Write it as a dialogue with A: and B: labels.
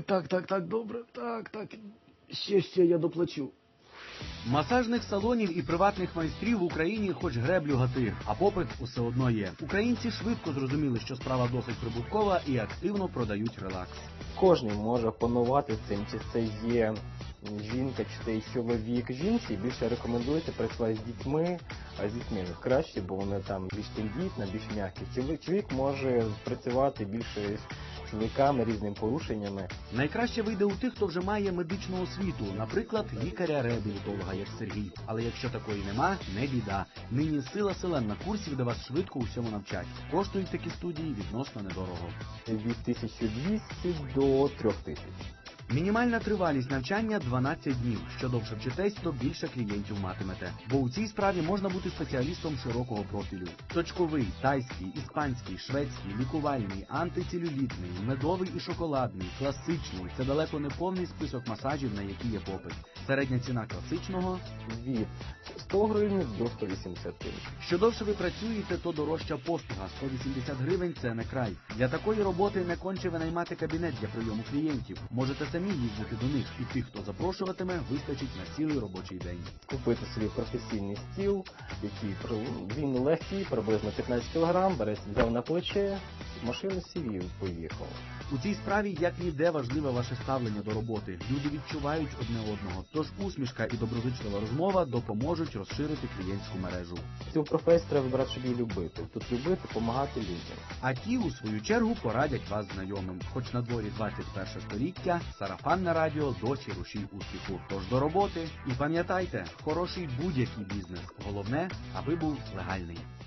A: Так, добре, так. Ще я доплачу. Масажних салонів і приватних майстрів в Україні хоч греблю гати, а попит усе одно є. Українці швидко зрозуміли, що справа досить прибуткова і активно продають релакс.
B: Кожен може панувати цим, чи це є жінка, чи це є чоловік. Жінці більше рекомендується працювати з дітьми, а з дітьми краще, бо вони там більш тендітна, більш м'які. Чоловік може працювати більше з чоловіками, різними порушеннями.
A: Найкраще вийде у тих, хто вже має медичну освіту, наприклад, лікаря-реабілітолога, як Сергій. Але якщо такої нема, не біда. Нині сила селен курсів, де вас швидко усьому навчать. Коштують такі студії відносно недорого.
B: Від 1200 до 3000.
A: Мінімальна тривалість навчання – 12 днів. Що довше вчитесь, то більше клієнтів матимете. Бо у цій справі можна бути спеціалістом широкого профілю. Точковий, тайський, іспанський, шведський, лікувальний, антицелюлітний, медовий і шоколадний, класичний – це далеко не повний список масажів, на які є попит. Середня ціна класичного –
B: від 100 гривень до 180 гривень.
A: Що довше ви працюєте, то дорожча послуга. 180 гривень – це не край. Для такої роботи не конче винаймати кабінет для прийому клієнтів. Можете самі їздити до них, і тих, хто запрошуватиме, вистачить на цілий робочий день.
B: Купити собі професійний стіл, який він легкий, приблизно 15 кг, взяв на плече, машину сів і поїхав.
A: У цій справі як ніде важливе ваше ставлення до роботи. Люди відчувають одне одного, тож усмішка і доброзичлива розмова допоможуть розширити клієнтську мережу.
B: Цю професію треба вибрати, щоб її любити. Тут любити, допомагати людям.
A: А ті, у свою чергу, порадять вас знайомим. Хоч на дворі 21 століття, сарафанне радіо досі рушій успіху. Тож до роботи. І пам'ятайте, хороший будь-який бізнес. Головне, аби був легальний.